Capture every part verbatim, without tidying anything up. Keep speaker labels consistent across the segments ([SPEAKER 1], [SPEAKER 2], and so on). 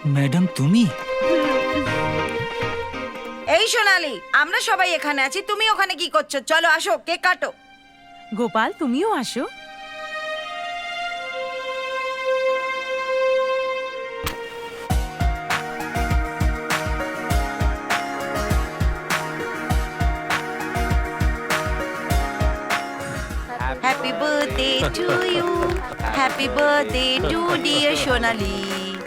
[SPEAKER 1] Madam তুমি?
[SPEAKER 2] এই সোনালি, আমরা সবাই এখানে আছি, তুমি ওখানে কি করছো? চলো আসো, কেক কাটো।
[SPEAKER 3] গোপাল, তুমিও আসো।
[SPEAKER 2] Happy birthday to you, happy birthday to dear Sonali.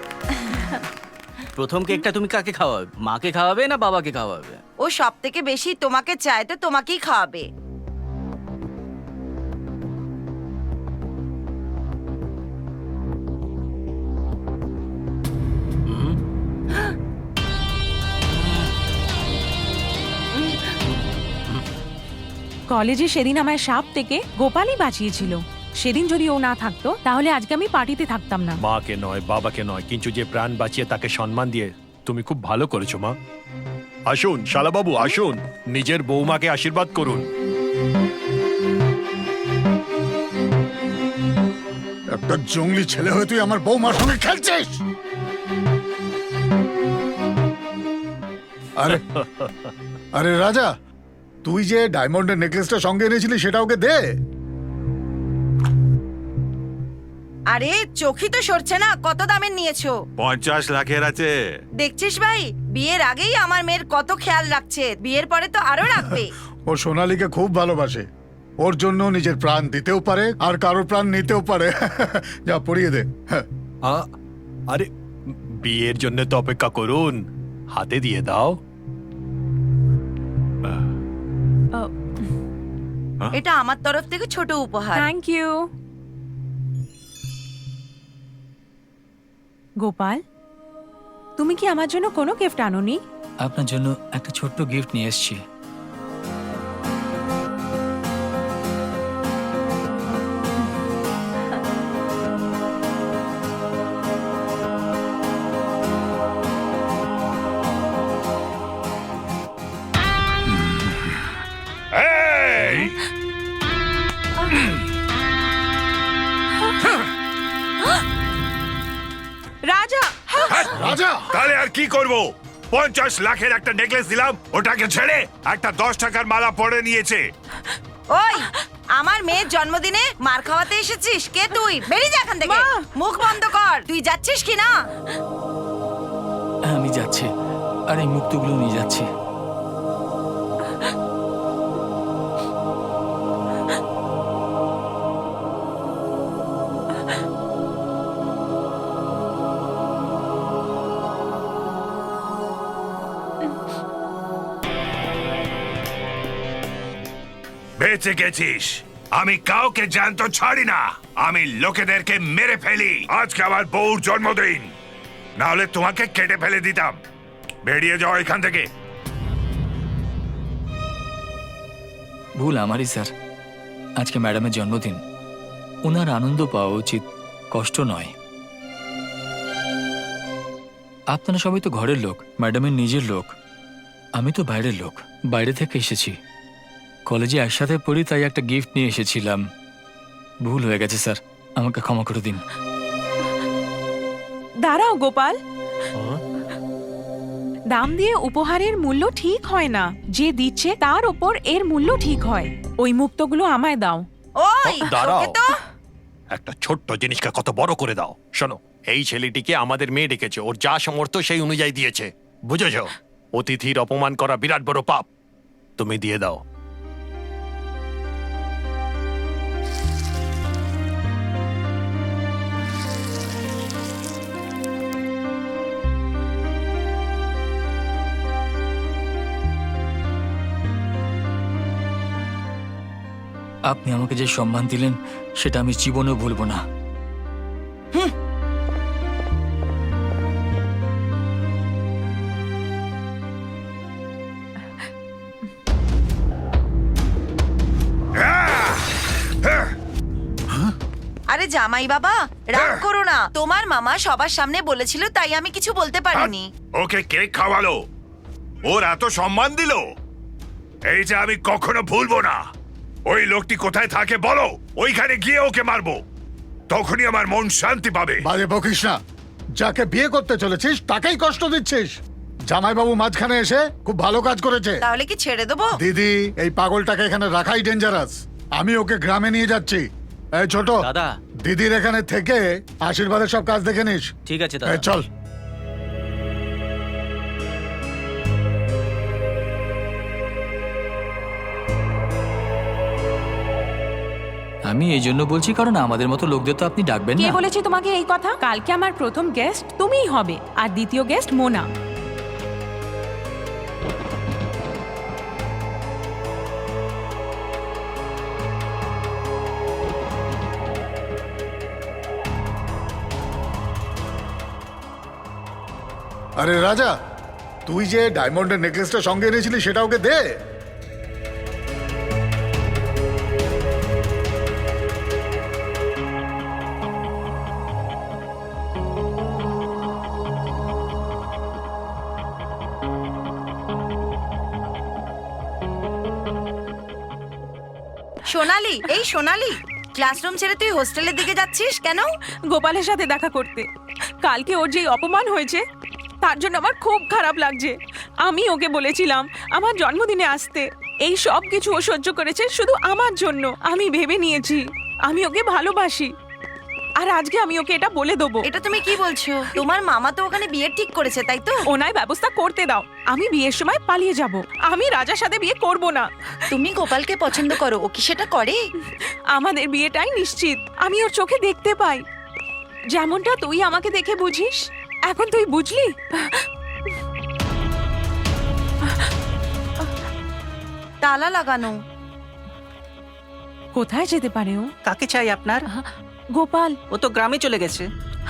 [SPEAKER 1] প্রথম কেকটা তুমি কাকে খাওয়াবে? মাকে খাওয়াবে না বাবাকে খাওয়াবে?
[SPEAKER 2] ও সব থেকে বেশি তোমাকে চায়, তো তোমাকেই খাওয়াবে।
[SPEAKER 3] কলেজে সেদিন আমায় সাপ থেকে গোপালই বাঁচিয়েছিল। সেদিন যদি ও না থাকতো তাহলে আজকে আমি পার্টিতে থাকতাম না।
[SPEAKER 4] মাকে নয়, বাবাকে নয়, কিন্তু যে প্রাণ বাঁচিয়ে তাকে সম্মান দিয়ে তুমি খুব ভালো করেছো মা। আসুন শালাবাবু, আসুন, নিজের বৌমাকে আশীর্বাদ করুন।
[SPEAKER 5] একটা জঙ্গলি ছেলে হয়ে তুই আমার বৌমার সঙ্গে খেলছিস? আরে আরে রাজা, তুই যে ডায়মন্ডের নেকলেসটা সঙ্গে এনেছিলি সেটা ওকে দে।
[SPEAKER 2] আরে চোখই তো সরছে না, কত দামের নিয়েছো?
[SPEAKER 6] পঞ্চাশ লাখের আছে।
[SPEAKER 2] দেখছিস ভাই, বিয়ের আগেই আমার মেয়ের কত খেয়াল রাখছে, বিয়ের পরে তো আরো রাখবে।
[SPEAKER 5] ও সোনালীকে খুব ভালোবাসে, ওর জন্য নিজের প্রাণ দিতেও পারে আর কারোর প্রাণ নিতেও পারে। যা পরিয়ে দে।
[SPEAKER 4] আ- আরে বিয়ের জন্য তো অপেক্ষা করুন, হাতে দিয়ে দাও।
[SPEAKER 2] এটা আমার তরফ থেকে ছোট উপহার।
[SPEAKER 3] Thank you. গোপাল, তুমি কি আমার জন্য কোনো গিফট আনোনি?
[SPEAKER 1] আপনার জন্য একটা ছোট্ট গিফট নিয়ে এসেছি।
[SPEAKER 3] রাজা,
[SPEAKER 5] রাজা,
[SPEAKER 6] তাহলে আর কি করব? পঞ্চাশ লাখের একটা নেকলেস দিলাম, ওটাকে ছেড়ে একটা দশ টাকার মালা পরে নিয়েছে।
[SPEAKER 2] ওই, আমার মেয়ের জন্মদিনে মার খাওয়াতে এসেছিস? কে তুই? বেরিয়ে যা এখান থেকে।
[SPEAKER 3] মা!
[SPEAKER 2] মুখ বন্ধ কর। তুই যাচ্ছিস কি না?
[SPEAKER 1] আমি যাচ্ছি, আর এই মুক্তগুলো নিয়ে যাচ্ছি।
[SPEAKER 6] বেঁচে গেছিস। আমি কাউকে জ্যান্ত ছাড়ি না, আমি লোকেদেরকে মেরে ফেলি। আজকে আমার বউর জন্মদিন, না হলে তোমাকে কেটে ফেলে দিতাম। বেরিয়ে যাও এখান থেকে।
[SPEAKER 1] ভুল আমারই স্যার। আজকে ম্যাডামের জন্মদিন, ওনার আনন্দ পাওয়া উচিত, কষ্ট নয়। আপনারা সবাই তো ঘরের লোক, ম্যাডামের নিজের লোক। আমি তো বাইরের লোক, বাইরে থেকে এসেছি। কলেজে একসাথে পড়ি, তাই একটা গিফট নিয়ে এসেছিলাম। ভুল হয়ে গেছে স্যার, আমাকে ক্ষমা করে দিন।
[SPEAKER 3] দাঁড়াও গোপাল, দাম দিয়ে উপহারের মূল্য ঠিক হয় না। যে দিচ্ছে তার ওপর এর মূল্য ঠিক হয়। ওই মুক্তগুলো আমায় দাও।
[SPEAKER 2] ওই,
[SPEAKER 4] দাঁড়াও,
[SPEAKER 2] তোকে তো
[SPEAKER 4] একটা ছোট্ট জিনিসকে কত বড় করে দাও। শোনো, এই ছেলেটিকে আমাদের মেয়ে ডেকেছে, ওর যা সামর্থ্য সেই অনুযায়ী দিয়েছে, বুঝেছ? অতিথির অপমান করা বিরাট বড় পাপ। তুমি দিয়ে দাও।
[SPEAKER 1] আপনি আমাকে যে সম্মান দিলেন সেটা আমি জীবনেও ভুলব না।
[SPEAKER 2] আরে জামাই বাবা, রাগ করো না। তোমার মামা সবার সামনে বলেছিল, তাই আমি কিছু বলতে পারিনি।
[SPEAKER 6] ওকে কেক খাওয়ালো, ওর এত সম্মান দিল, এই যে আমি কখনো ভুলবো না। ওই লোকটি কোথায় থাকে বলো, ওইখানে গিয়ে ওকে মারবো, তখনই আমার মন শান্তি পাবে।
[SPEAKER 5] বাজে বকিস না। যাকে বিয়ে করতে চলেছিস তাকেই কষ্ট দিচ্ছিস। জামাইবাবু মাঝখানে এসে খুব ভালো কাজ করেছে।
[SPEAKER 2] তাহলে কি ছেড়ে দেবো?
[SPEAKER 5] দিদি, এই পাগলটাকে এখানে রাখাই ডেঞ্জারাস। আমি ওকে গ্রামে নিয়ে যাচ্ছি। এই ছোট
[SPEAKER 7] দাদা।
[SPEAKER 5] দিদির এখানে থেকে আশীর্বাদের সব কাজ দেখে নিস।
[SPEAKER 7] ঠিক আছে
[SPEAKER 5] এই
[SPEAKER 7] দাদা।
[SPEAKER 5] চল।
[SPEAKER 1] আমি এই জন্য বলছি কারণ আমাদের মতো লোকদের তো আপনি ডাকবেন
[SPEAKER 3] কে
[SPEAKER 1] না।
[SPEAKER 3] বলেছে তোমাকে এই কথা? কালকে আমার প্রথম গেস্ট তুমিই হবে, আর দ্বিতীয় গেস্ট মোনা।
[SPEAKER 5] আরে রাজা, তুই যে ডায়মন্ডের নেকলেসটা সঙ্গে এনেছিলি সেটা ওকে দে।
[SPEAKER 2] সোনালি, এই সোনালি, ক্লাসরুম ছেড়ে তুই হোস্টেলের দিকে যাচ্ছিস কেন?
[SPEAKER 3] গোপালের সাথে দেখা করতে। কালকে ওর যে অপমান হয়েছে তার জন্য আমার খুব খারাপ লাগছে। আমি ওকে বলেছিলাম আমার জন্মদিনে আসতে, এই সব কিছু ও সহ্য করেছে শুধু আমার জন্য। আমি ভেবে নিয়েছি আমি ওকে ভালোবাসি, আর আজকে আমি ওকে এটা বলে দেবো।
[SPEAKER 2] এটা তুমি কি বলছো? তোমার মামা তো ওখানে বিয়ে ঠিক করেছে, তাই তো?
[SPEAKER 3] ওনায় ব্যবস্থা করতে দাও, আমি বিয়ের সময় পালিয়ে যাব। আমি রাজার সাথে বিয়ে করব না।
[SPEAKER 2] তুমি গোপালকে পছন্দ করো, ও কি সেটা করে?
[SPEAKER 3] আমাদের বিয়েটাই নিশ্চিত। আমি ওর চোখে দেখতে পাই, যেমনটা তুই আমাকে দেখে বুঝিস। এখন তুই বুঝলি?
[SPEAKER 2] তালা লাগানো।
[SPEAKER 3] কোথায় যেতে পারে ও?
[SPEAKER 7] কাকে চাই আপনার?
[SPEAKER 3] গোপাল।
[SPEAKER 7] ও তো গ্রামে চলে গেছে।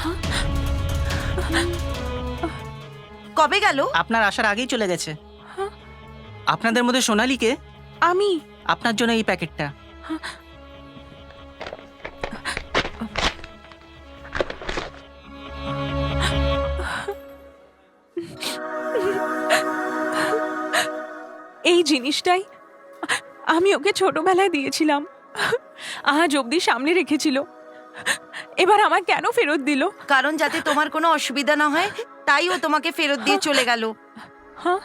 [SPEAKER 2] কবে গেল?
[SPEAKER 7] আপনার আসার আগেই চলে গেছে। আপনাদের মধ্যে সোনালীকে?
[SPEAKER 3] আমি।
[SPEAKER 7] আপনার জন্য এই প্যাকেটটা।
[SPEAKER 3] এই জিনিসটাই আমি ওকে ছোটবেলায় দিয়েছিলাম, আজ অবধি সামনে রেখেছিল। এবার আমার কেন ফেরত দিল?
[SPEAKER 2] কারণ যাতে তোমার কোনো অসুবিধা না হয়, তাই ও তোমাকে ফেরত দিয়ে চলে গেল।
[SPEAKER 3] হ্যাঁ,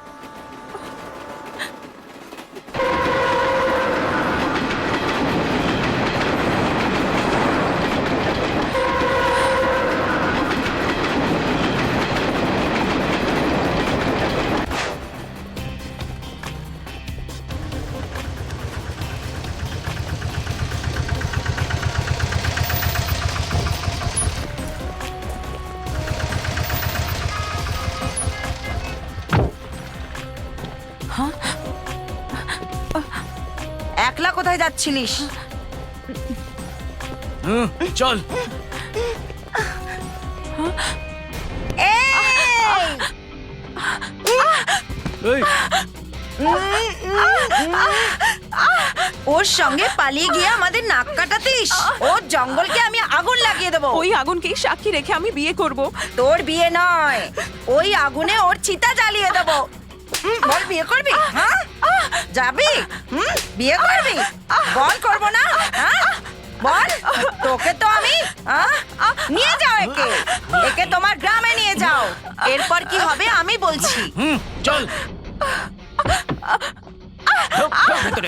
[SPEAKER 2] একলা কোথায় যাচ্ছিলিস?
[SPEAKER 1] চল।
[SPEAKER 2] এই! ওর সঙ্গে পালিয়ে গিয়ে আমাদের নাক কাটাতিস? ওর জঙ্গলকে আমি আগুন লাগিয়ে দেবো।
[SPEAKER 3] ওই আগুনকেই সাক্ষী রেখে আমি বিয়ে করব।
[SPEAKER 2] তোর বিয়ে নয়, ওই আগুনে ওর চিতা জ্বালিয়ে দেবো। হুম, বল বিয়ে করবি? হ্যাঁ, যাবি? হুম, বিয়ে করবি? বল করবো না? হ্যাঁ, বল। তোকে তো আমি আহ, নিয়ে যাও, একে একে তোমার গ্রামে নিয়ে যাও। এরপর কি হবে আমি বলছি।
[SPEAKER 1] হুম, চল। ঢোক, ঢোক ভেতরে।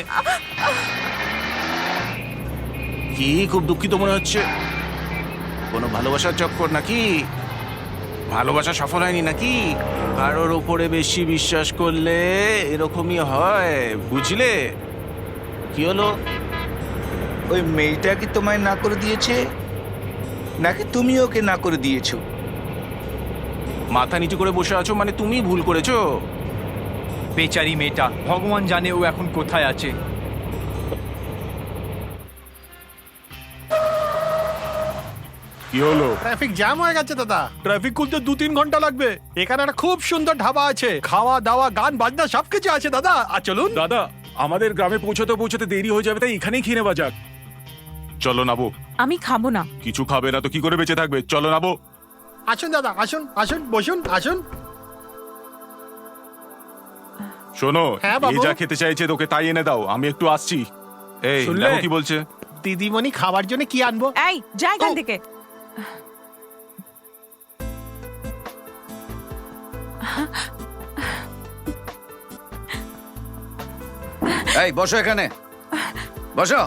[SPEAKER 8] কি খুব দুঃখিত মনে হচ্ছে? কোনো ভালোবাসার চক্কর নাকি? ভালোবাসা সফল হয়নি নাকি? কারোর ওপরে বেশি বিশ্বাস করলে এরকমই হয়, বুঝলে? কি হলো?
[SPEAKER 9] ওই মেয়েটা কি তোমায় না করে দিয়েছে, নাকি তুমি ওকে না করে দিয়েছো?
[SPEAKER 8] মাথা নিচু করে বসে আছো মানে তুমি ভুল করেছো।
[SPEAKER 10] বেচারি মেয়েটা, ভগবান জানে ও এখন কোথায় আছে।
[SPEAKER 8] কি হলো?
[SPEAKER 4] ট্রাফিক জ্যাম হয়ে গেছে দাদা। ট্রাফিক খুলতে দু তিন ঘন্টা লাগবে। এখানে একটা খুব সুন্দর ঢাবা আছে, খাওয়া দাওয়া গান বাজনা সবকিছু আছে দাদা। আর চলুন
[SPEAKER 8] দাদা, আমাদের গ্রামে পৌঁছতে পৌঁছতে দেরি হয়ে যাবে, তাই এখানেই খেয়ে নেওয়া যাক। চলো নাবো।
[SPEAKER 3] আমি খাবো না।
[SPEAKER 8] কিছু খাবে না তো কি করে বেঁচে থাকবে? চলো নাবো।
[SPEAKER 4] আসুন দাদা, আসুন আসুন, বসুন, আসুন।
[SPEAKER 8] শোনো,
[SPEAKER 4] হ্যাঁ, বাবু।
[SPEAKER 8] এই যা খেতে চাইছে তোকে তাই এনে দাও, আমি একটু আসছি। এই
[SPEAKER 4] শুনলে?
[SPEAKER 8] দেখো কি বলছে।
[SPEAKER 4] দিদিমণি খাবার জন্য কি আনবো?
[SPEAKER 3] এই যা এখান থেকে।
[SPEAKER 9] এই বসো এখানে, বসো।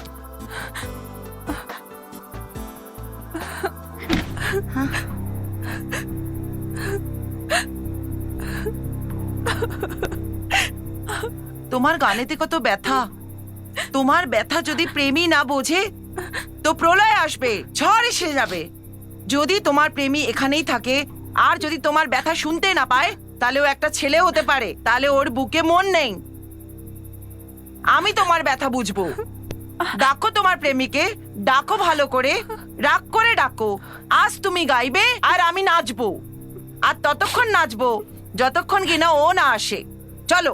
[SPEAKER 2] তোমার গানেতে কত ব্যথা। তোমার ব্যথা যদি প্রেমী না বোঝে তো প্রলয় আসবে, ঝড় এসে যাবে। যদি তোমার প্রেমী এখানেই থাকে আর যদি তোমার ব্যথা শুনতে না পায়, তাহলে ও একটা ছেলে হতে পারে, তাহলে ওর বুকে মন নেই। আমি তোমার ব্যথা বুঝবো। ডাকো তোমার প্রেমিকে, ডাকো ভালো করে, রাগ করে ডাকো। আজ তুমি গাইবে আর আমি নাচবো, আর ততক্ষণ নাচবো যতক্ষণ কিনা ও না আসে। চলো।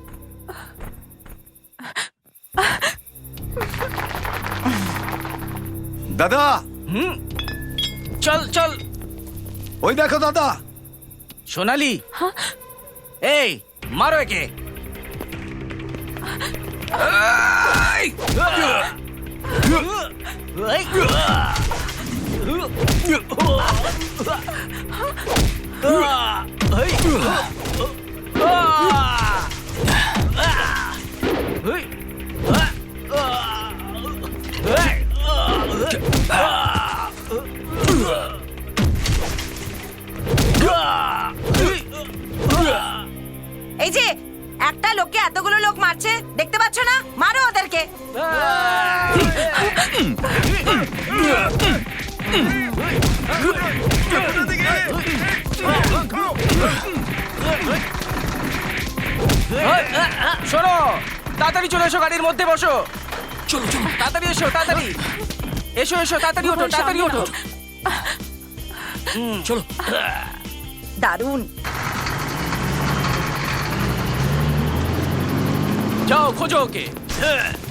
[SPEAKER 9] দাদা,
[SPEAKER 7] চল চল।
[SPEAKER 9] ওই দেখো দাদা।
[SPEAKER 7] সোনালি, এই মারো একে।
[SPEAKER 2] এই যে একটা লোককে এতগুলো লোক মারছে, দেখতে পাচ্ছ না? মারো ওদেরকে।
[SPEAKER 7] শোনো, তাড়াতাড়ি চলে এসো, গাড়ির মধ্যে বসো। চলো চলো, তাড়াতাড়ি এসো, তাড়াতাড়ি এসো, এসো, তাড়াতাড়ি ওঠো, তাড়াতাড়ি ওঠো।
[SPEAKER 1] চলো।
[SPEAKER 2] দারুণ।
[SPEAKER 7] যাও খোঁজো ওকে।